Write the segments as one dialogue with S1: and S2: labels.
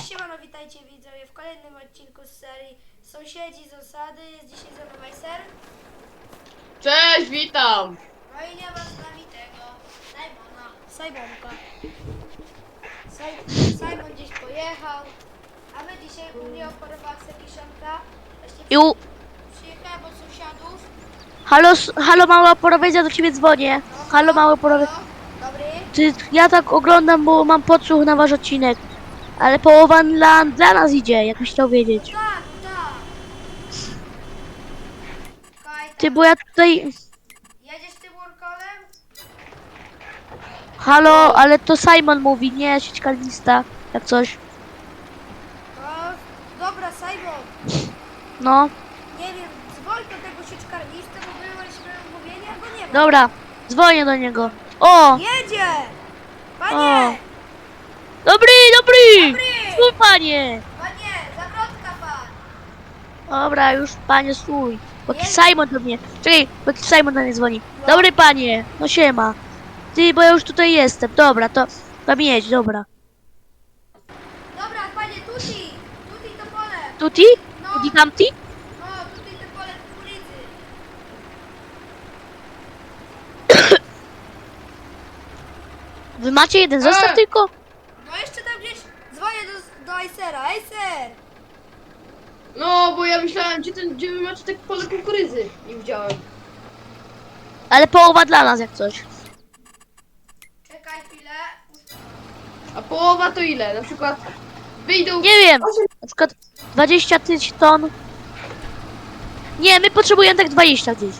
S1: Siemano, witajcie widzowie w kolejnym odcinku z serii Sąsiedzi z osady. Jest dzisiaj ze mną Majser.
S2: Cześć, witam!
S1: No i nie ma z nami tego Simonka. Simon gdzieś pojechał, a my dzisiaj u mnie oporowała kiszonka. Właśnie przyjechałem od sąsiadów.
S3: Halo mała porowiec, ja do ciebie dzwonię.
S1: No,
S3: Halo mała porowiec.
S1: Dobry.
S3: Ja tak oglądam, bo mam podsłuch na wasz odcinek. Ale połowa dla nas idzie, jakbyś chciał wiedzieć.
S1: Tak, tak.
S3: Ty, bo ja tutaj...
S1: Jedziesz tym workolem?
S3: Halo, ale to Simon mówi, nie sieć kalista, jak coś.
S1: No, dobra, Simon.
S3: No,
S1: Nie wiem, dzwoń do tego sieczkarnista, bo byliśmy umówieni, a go nie ma.
S3: dobra, dzwonię do niego. O!
S1: Jedzie!
S3: O.
S1: Panie!
S3: Dobry!
S1: Dobry!
S3: Stój, panie!
S1: Panie, zawrotka pan!
S3: Dobra, już panie stój. Bo jakiś
S1: Jedzie.
S3: Simon do mnie. Czekaj, bo jakiś Simon do mnie dzwoni.
S1: No.
S3: Dobry panie, no siema. Ty, bo ja już tutaj jestem. Dobra, to tam jedź, dobra.
S1: Dobra, panie, tuti! Tuti to pole!
S3: Tuti?
S1: No.
S3: Tuti tamti?
S1: No, tuti to pole kukurydzy.
S3: Wy macie jeden zestaw tylko?
S1: No jeszcze tam gdzieś dzwonię do Icera. Icer!
S2: No, bo ja myślałem, gdzie wy macie tak pole kukurydzy. Nie widziałem.
S3: Ale połowa dla nas jak coś.
S1: Czekaj chwilę.
S2: A połowa to ile? Na przykład wyjdą...
S3: Nie wiem, na przykład 20 000 ton. Nie, my potrzebujemy tak 20 gdzieś.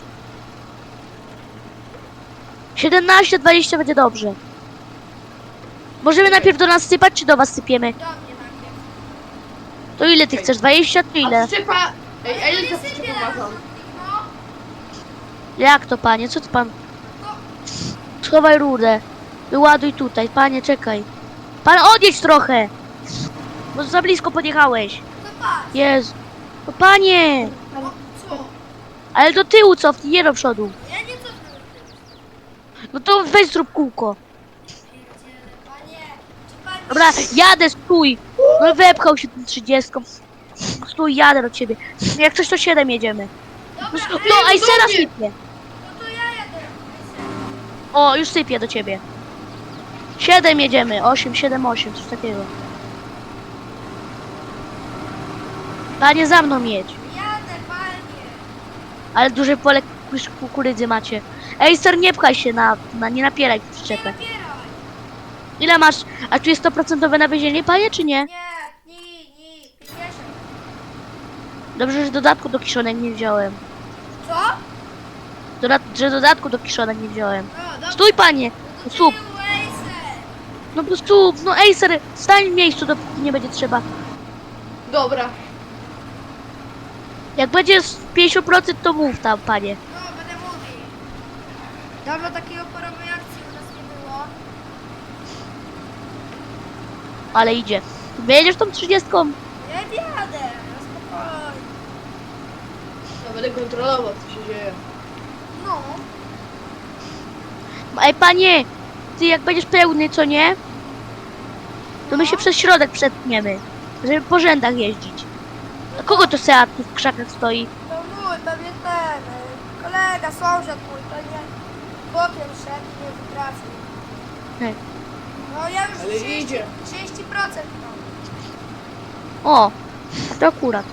S3: 17-20 będzie dobrze. Możemy najpierw do nas sypać, czy do was sypiemy?
S1: Do mnie najpierw.
S3: To ile ty chcesz? 20 czy
S2: A
S3: ile?
S2: przyczepa... Ej, a
S1: Ale
S2: ile
S1: to
S2: ta
S1: nie sypie
S2: przyczepa
S1: na
S2: ma tam?
S1: rozrzutnik, no.
S3: Jak to, panie? Co ty pan?
S1: No,
S3: Schowaj rudę. Wyładuj tutaj. Panie, czekaj. Pan odjedź trochę. Bo za blisko podjechałeś.
S1: to patrz.
S3: Jezu. No panie.
S1: No, co?
S3: Ale do tyłu cofnij, nie do przodu.
S1: Ja nie cofnę.
S3: No to weź zrób kółko.
S1: Pierdziele, panie. Czy pan...
S3: Dobra, jadę, stój. No wepchał się tym 30. Stój, jadę do ciebie. Jak coś to 7 jedziemy.
S1: Dobra,
S3: No, Icera
S2: do mnie.
S3: sypie.
S1: no to ja jadę.
S3: O, już sypie do ciebie. 7 jedziemy. 8, 7, 8, coś takiego. Panie, za mną jedź.
S1: Jadę, panie.
S3: Ale duże pole kukurydzy macie. Ejster, nie pchaj się nie napieraj w
S1: Nie
S3: przyczepę.
S1: napieraj.
S3: Ile masz? A tu jest 100% nawiezienie, panie, czy nie?
S1: Nie, 50.
S3: Dobrze, że dodatku do kiszonek nie wziąłem.
S1: Co?
S3: Że dodatku do kiszonek nie wziąłem.
S1: No, dobra.
S3: Stój, panie!
S1: Do
S3: Stóp!
S1: tyłu, Acer.
S3: No po prostu, no Ejster, stań w miejscu, dopóki nie będzie trzeba.
S2: Dobra.
S3: Jak będzie z 50%, to mów tam, panie.
S1: No, będę mówił. Dawno takiego porowej akcji u nas nie było.
S3: Ale idzie. Wyjedziesz tą 30?
S1: Nie jadę, no spokojnie.
S2: Ja będę kontrolował, co się dzieje.
S1: No.
S3: Ej, panie! Ty jak będziesz pełny, co nie? To my się przez środek przetniemy. Żeby po rzędach jeździć. A kogo to Seat tu w krzakach stoi?
S1: To mój, pewnie ten, kolega, sąsiad mój, to nie. Bokiem szedł, nie wytrafił.
S3: Hej.
S1: No ja już
S2: Ale idzie.
S1: 30% mam.
S3: O! To akurat.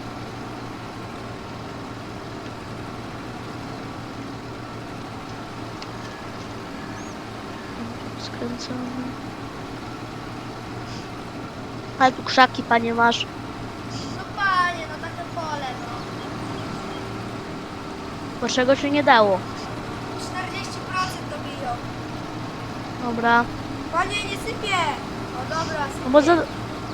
S3: Skręcamy. Ale tu krzaki, panie, masz.
S1: No panie, no takie pole, no.
S3: Bo czego się nie dało.
S1: 40% dobiją.
S3: Dobra.
S1: Panie, nie sypie! O dobra, sypie.
S3: No bo za...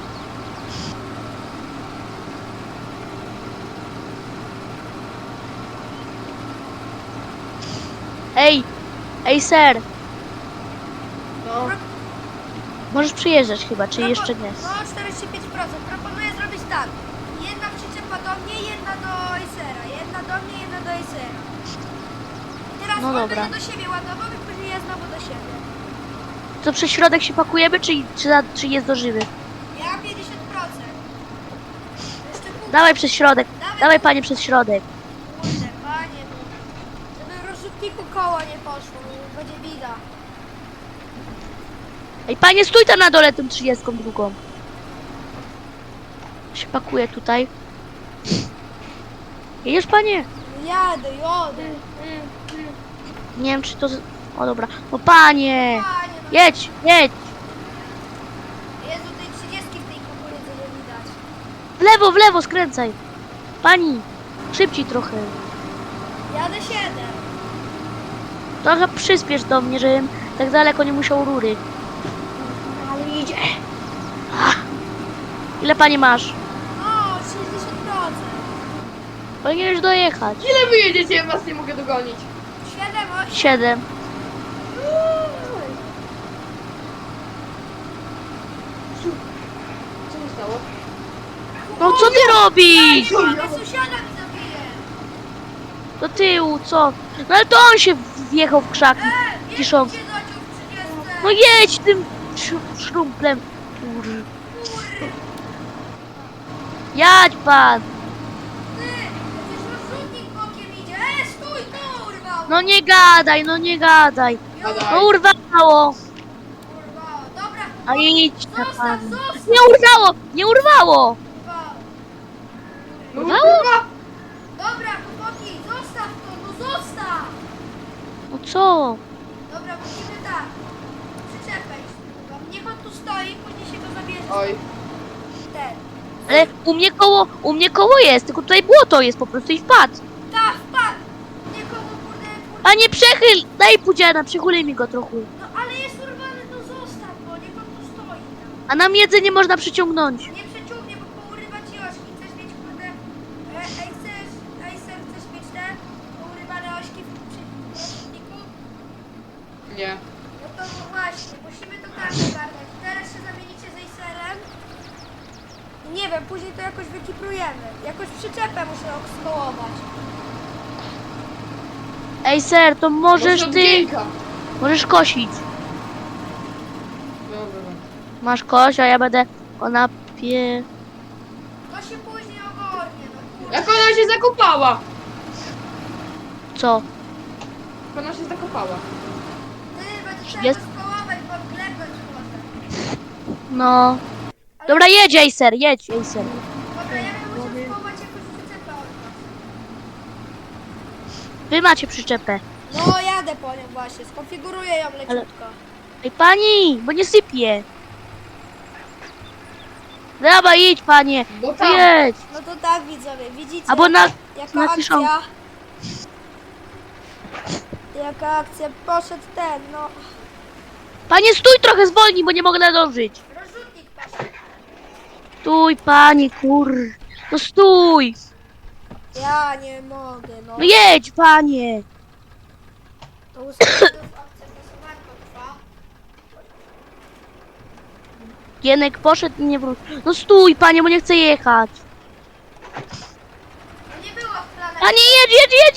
S3: Ej! Ej, ser!
S2: No.
S3: Możesz przyjeżdżać chyba, czy jeszcze nie?
S1: No 45%. Proponuję zrobić tak. Jedna przyczepa do mnie, jedna do Acera. Jedna do mnie, jedna do Acera. I teraz
S3: No
S1: on
S3: dobra.
S1: będzie do siebie ładował i później ja znowu do siebie.
S3: To przez środek się pakujemy, czy jest dożywy?
S1: Ja 50%. Jeszcze pół.
S3: Dawaj przez środek. Dawaj panie przez środek.
S1: Kurde, panie, no. Żeby w rozrzutniku koło nie poszło, bo będzie bida.
S3: Ej panie, stój tam na dole tą 32. Się pakuje tutaj. Jedziesz panie?
S1: Jadę.
S3: Nie wiem czy to... O dobra. No panie!
S1: Panie, no.
S3: Jedź!
S1: Jezu, tej 30 w tej kukurydzy nie widać.
S3: W lewo, skręcaj. Pani, szybciej trochę.
S1: Jadę 7.
S3: Trochę przyspiesz do mnie, żebym tak daleko nie musiał rury.
S1: Ale idzie.
S3: Ile pani masz?
S1: O, 60%.
S3: Powinieneś dojechać.
S2: Ile wy jedziecie? Ja was nie mogę dogonić.
S1: 7, 8.
S3: 7.
S2: Co się stało?
S3: No co ty robisz?
S1: Ale sąsiada mi zabije.
S3: Do tyłu, co? No ale to on się wjechał w krzaki. Kiszą.
S1: Cię zaciął w 30.
S3: No jedź tym szrumplem. Kur... Jadź pan.
S1: Ty, przecież rozrzutnik bokiem idzie. Stój, to urwał.
S3: No nie gadaj.
S2: Gadaj.
S3: No urwało.
S1: Urwało. Dobra,
S3: A idź na
S1: zostaw,
S3: pan.
S1: zostaw.
S3: Nie urwało.
S1: Urwało.
S2: No
S3: Urwało?
S2: kurwa!
S1: Dobra, chłopaki, zostaw to, no zostaw.
S3: No co?
S1: Dobra, musimy tak. Przyczepę iść. Niech on tu stoi, później się go zabierze.
S2: Oj.
S1: Ten.
S3: Ale u mnie koło jest, tylko tutaj błoto jest po prostu i wpadł.
S1: Tak, wpadł. Niech on kurde.
S3: A nie przechyl! Daj pudziana, przychulij mi go trochę.
S1: No ale jest urwany, to zostaw go, niech on tu stoi tam.
S3: A nam jedzenie można przyciągnąć.
S1: Nie przeciągnie, bo pourywa ci ośki. Chcesz mieć kurde... chcesz mieć te pourywane ośki w rozrzutniku?
S2: Nie.
S1: No to właśnie, musimy to tak ogarnąć. Teraz się zamienicie z Acerem. Nie wiem, później to jakoś wykiprujemy. Jakoś przyczepę muszę skołować.
S3: Ej ser, to możesz
S2: Może
S3: ty...
S2: odgięka.
S3: Możesz kosić.
S2: Dobra.
S3: Masz kość, a ja będę konapie...
S1: To się później ogarnie, no kurde.
S2: Jak ona się zakopała?
S3: Co?
S2: Jak ona się zakopała?
S1: Ty, będę trzeba
S3: Jest-
S1: go skołować, bo glebnąć może.
S3: No... Dobra, jedź Acer, jedź Acer.
S1: Dobra, ja bym musiał skołować jakąś przyczepę od was.
S3: Wy macie przyczepę.
S1: No, jadę po nią właśnie, skonfiguruję ją leciutko.
S3: Ej pani, bo nie sypie. Dobra, jedź panie.
S2: Bo tam.
S3: Jedź.
S1: No to tak widzowie, widzicie?
S3: Albo na...
S1: Jaka
S3: na kiszonkę.
S1: akcja? Jaka akcja? Poszedł ten, no.
S3: Panie stój trochę, zwolnij, bo nie mogę nadążyć.
S1: Rozrzutnik poszedł.
S3: Stój pani, kur... No stój.
S1: Ja nie mogę, no.
S3: No jedź panie.
S1: To ustawię akcja głosowanko trwa.
S3: Gienek poszedł i nie wrócił. No stój panie, bo nie chcę jechać.
S1: No nie było w planach.
S3: Panie jedź.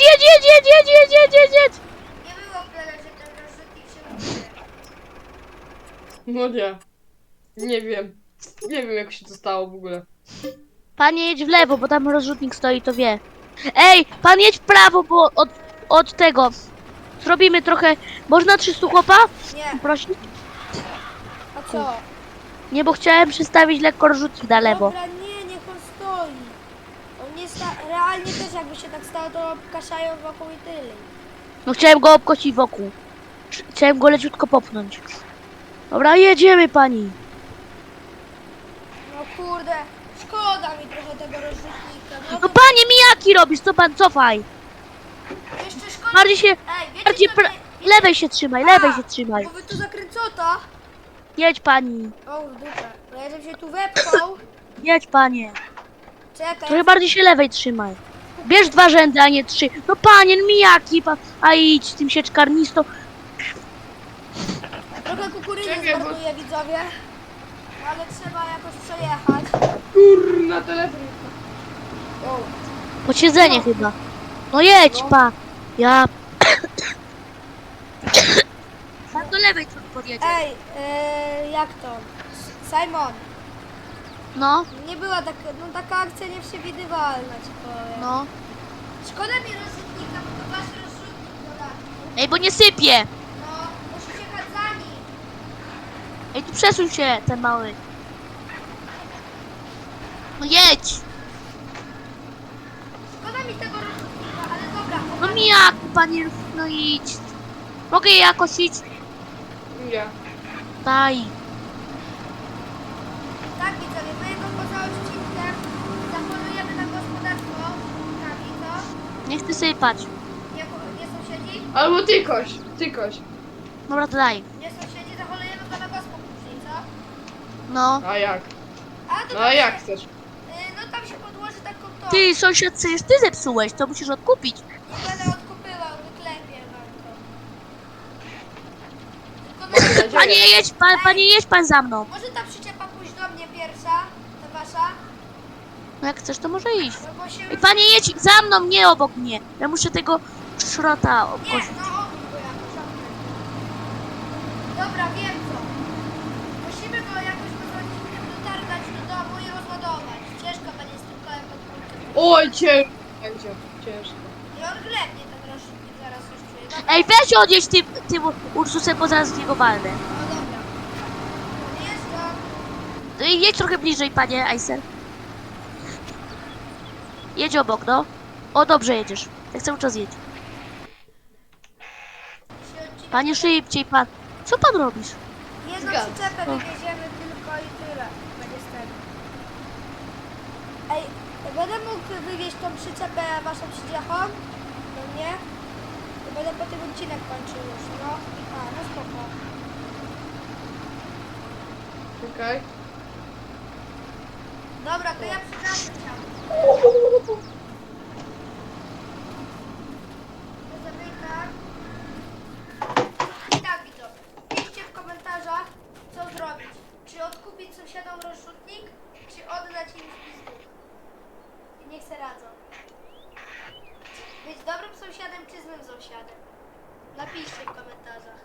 S1: Nie było w planach, że ten rozrzutnik się użyje.
S2: No nie. Nie wiem. Nie wiem jak się to stało w ogóle.
S3: Panie jedź w lewo, bo tam rozrzutnik stoi, to wie. Ej, pan jedź w prawo, bo od tego. Zrobimy trochę... Można 300 chłopa?
S1: Nie,
S3: Prosić?
S1: a co?
S3: Nie, bo chciałem przystawić lekko rozrzutnik na lewo.
S1: Dobra, nie, niech on stoi. On nie realnie też jakby się tak stało, to kaszają wokół i tyle.
S3: No chciałem go obkosić wokół. Chciałem go leciutko popchnąć. Dobra, jedziemy pani.
S1: No kurde, szkoda mi trochę tego rozrzutnika. No
S3: No
S1: to
S3: panie, mijaki robisz, co pan, cofaj.
S1: jeszcze szkoda.
S3: Bardziej się,
S1: Ej, wiecie
S3: bardziej
S1: co mnie...
S3: lewej się trzymaj, lewej się trzymaj.
S1: Bo wy tu zakręcota.
S3: Jedź pani,
S1: O, w dupę. No ja żebym się tu wepchał.
S3: jedź panie.
S1: Czekaj.
S3: Trochę bardziej się lewej trzymaj. Bierz 2 rzędy, a nie 3. No panie, no mijaki, a idź z tym sieczkarnistą.
S1: Trochę kukurydzy
S2: Czekaj, bo-
S1: zmarnuję, widzowie. Ale trzeba jakoś przejechać.
S2: Kurna telefon. O.
S3: Posiedzenie chyba. No jedź
S2: No.
S3: pa. Ja... Pan do lewej trochę podjedzie.
S1: Ej, jak to? Simon.
S3: No,
S1: Nie była taka, no taka akcja nieprzewidywalna, ci powiem.
S3: no.
S1: Szkoda mi rozrzutnika, bo to wasz rozrzutnik dodatni.
S3: Ej, bo nie sypie!
S1: No, musisz jechać za nim.
S3: Ej, tu przesuń się, ten mały. No jedź!
S1: Szkoda mi tego rozrzutnika, ale dobra.
S3: No mi jak, panie, no idź. Mogę je jakoś iść?
S2: Nie.
S3: Daj.
S1: Tak, widzowie, my go poza odcinkiem zapolujemy na gospodarstwo. Kami, co?
S3: Nie chcę sypać.
S1: Nie sąsiedzi?
S2: Albo ty koś.
S3: Dobra, to daj.
S1: Nie sąsiedzi, zapolujemy go na gospę później, co?
S3: No.
S2: A jak?
S1: A to
S2: No
S1: tam
S2: a jak
S1: się,
S2: chcesz?
S1: no tam się podłoży taką to.
S3: Ty, sąsiad, przecież ty zepsułeś, to musisz odkupić.
S1: Nie będę odkupywał, wyklepię wam to. Tylko
S2: Mam nadzieję.
S3: Panie, jedź pan za mną.
S1: może ta przyczepa pójść do mnie pierwsza, ta wasza?
S3: No jak chcesz, to może iść.
S1: No bo się
S3: Ej, panie, jedź za mną, nie obok mnie. Ja muszę tego szrota
S1: Nie,
S3: obkosić.
S1: no obróć go jakoś, obróć. Dobra, wiem co. Musimy go jakoś rozrodnikiem dotargać do domu i rozładować. Ciężko będzie z tym kołem pod kulkę.
S2: Oj, ciężko będzie. Ciężko.
S1: I on glebnie ten rozrzutnik zaraz już czuje. Dobra.
S3: Ej, weź odjedź tym Ursusem, bo zaraz w niego walnę.
S1: No dobra. Jest to.
S3: No i jedź trochę bliżej, panie Acer. Jedź obok, no. O, dobrze jedziesz. Tak cały czas jedź. Panie, szybciej, pan. Co pan robisz?
S1: Jedną
S2: Zgadzam.
S1: przyczepę
S3: O.
S1: wywieziemy tylko i tyle. Będzie z tego. Ej, będę mógł wywieźć tą przyczepę waszą przydziechą? Do mnie? To będę po tym odcinek kończył już, no. No spoko.
S2: Okej.
S1: Dobra, to ja przepraszam cię. To zamyka. I tak, widzowie. Piszcie w komentarzach, co zrobić. Czy odkupić sąsiadom rozrzutnik, czy oddać im pizdu. I niech se radzą. Być dobrym sąsiadem, czy złym sąsiadem? Napiszcie w komentarzach.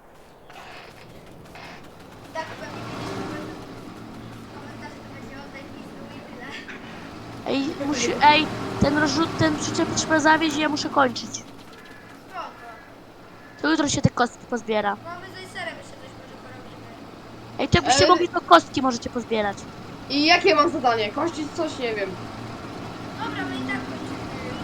S1: I tak pewnie kiedyś komentarze to będzie oddaj pizdu i tyle.
S3: Ej, ten przyczep trzeba zawieźć i ja muszę kończyć.
S1: Spoko.
S3: To jutro się te kostki pozbiera.
S1: No my z Acerem jeszcze coś może porobimy.
S3: Ej, to byście mogli to kostki możecie pozbierać.
S2: I jakie mam zadanie? Kościć coś? Nie wiem.
S1: Dobra, my i tak kończymy.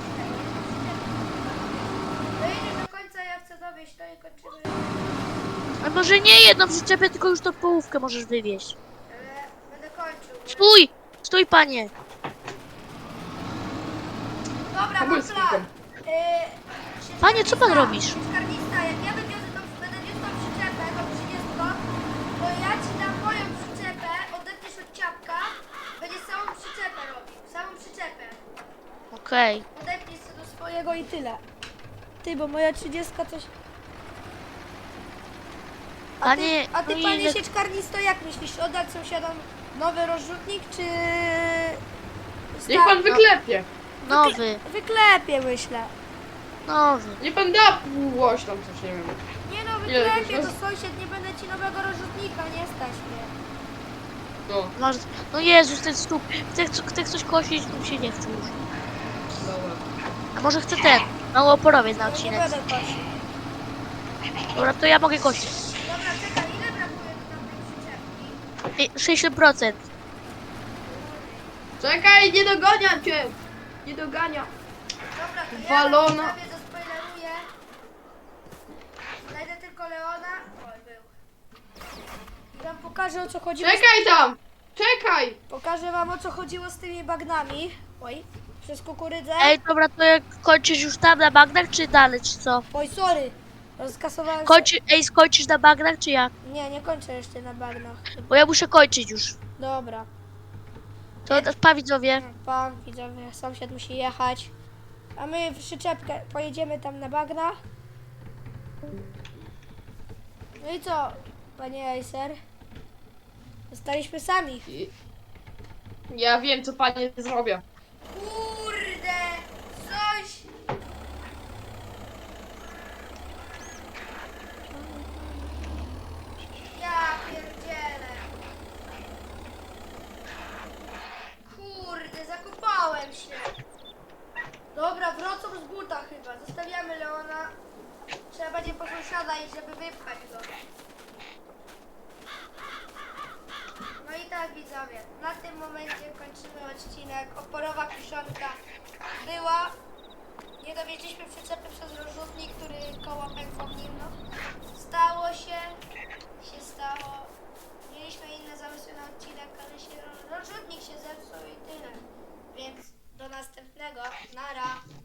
S1: Dojedziesz do końca, ja chcę dowieść to i kończymy.
S3: A może nie jedną przyczepę, tylko już tą połówkę możesz wywieźć.
S1: Ale będę kończył.
S3: Stój! Stój, panie!
S1: Dobra, mam
S2: Pobólskim.
S1: plan.
S3: Panie, co pan robisz?
S1: Sieczkarnista, jak ja wywiozę tą, będę wiózł tą przyczepę, tą 30, to ja ci dam moją przyczepę, odetniesz od ciapka, będziesz całą przyczepę robił, całą przyczepę.
S3: Okej.
S1: Odetnij się do swojego i tyle. Ty, bo moja 30 coś...
S3: Panie,
S1: A ty
S3: no
S1: panie
S3: ile-
S1: sieczkarnisto, jak myślisz, oddać sąsiadom nowy rozrzutnik, czy...
S2: Niech pan wyklepie.
S3: Nowy,
S1: Wyklepie, myślę.
S3: nowy.
S2: Niech pan da głoś tam coś, nie wiem.
S1: Nie no,
S2: Ile
S1: wyklepie,
S2: to
S1: to
S2: jest?
S1: sąsiad, nie będę ci nowego rozrzutnika, nie stać mnie.
S2: No,
S3: Masz... No Jezus, ten stóp. Chce coś kosić, to mi się nie chce już.
S2: dobra.
S3: A może chce ten, mało oporowiec na
S1: Ja nie
S3: odcinek.
S1: będę kosił.
S3: Dobra, to ja mogę kosić.
S1: Dobra, czekaj, ile brakuje do tamtej przyczepki?
S3: 60%.
S2: Czekaj, nie dogoniam cię! Nie dogania.
S1: Dobra, to
S2: Walona.
S1: ja wam sobie zaspoileruję. Znajdę tylko Leona. Oj, był. I wam pokażę, o co chodziło.
S2: Czekaj tam! Czekaj!
S1: Pokażę wam, o co chodziło z tymi bagnami. Oj, przez kukurydzę.
S3: Ej, dobra, to jak kończysz już tam na bagnach, czy dalej, czy co?
S1: Oj, sorry. Rozkasowałem
S3: Skończysz na bagnach, czy jak?
S1: Nie, nie kończę jeszcze na bagnach.
S3: Bo ja muszę kończyć już.
S1: Dobra.
S3: To pa widzowie.
S1: Pan, widzowie, sąsiad musi jechać. A my w przyczepkę pojedziemy tam na bagna. No i co, panie Acer? Zostaliśmy sami.
S2: Ja wiem, co panie zrobię.
S1: Kurde, coś... Ja pierdzielę. Dobra, wracam z buta chyba. Zostawiamy Leona. Trzeba będzie po sąsiada iść, żeby wypchać go. No i tak widzowie, na tym momencie kończymy odcinek. Oporowa kiszonka była. Nie dowieźliśmy przyczepy przez rozrzutnik, który koło pękło w nim. No. Stało się stało. Mieliśmy inne zamysły na odcinek, ale rozrzutnik się zepsuł i tyle. Więc do następnego. Nara.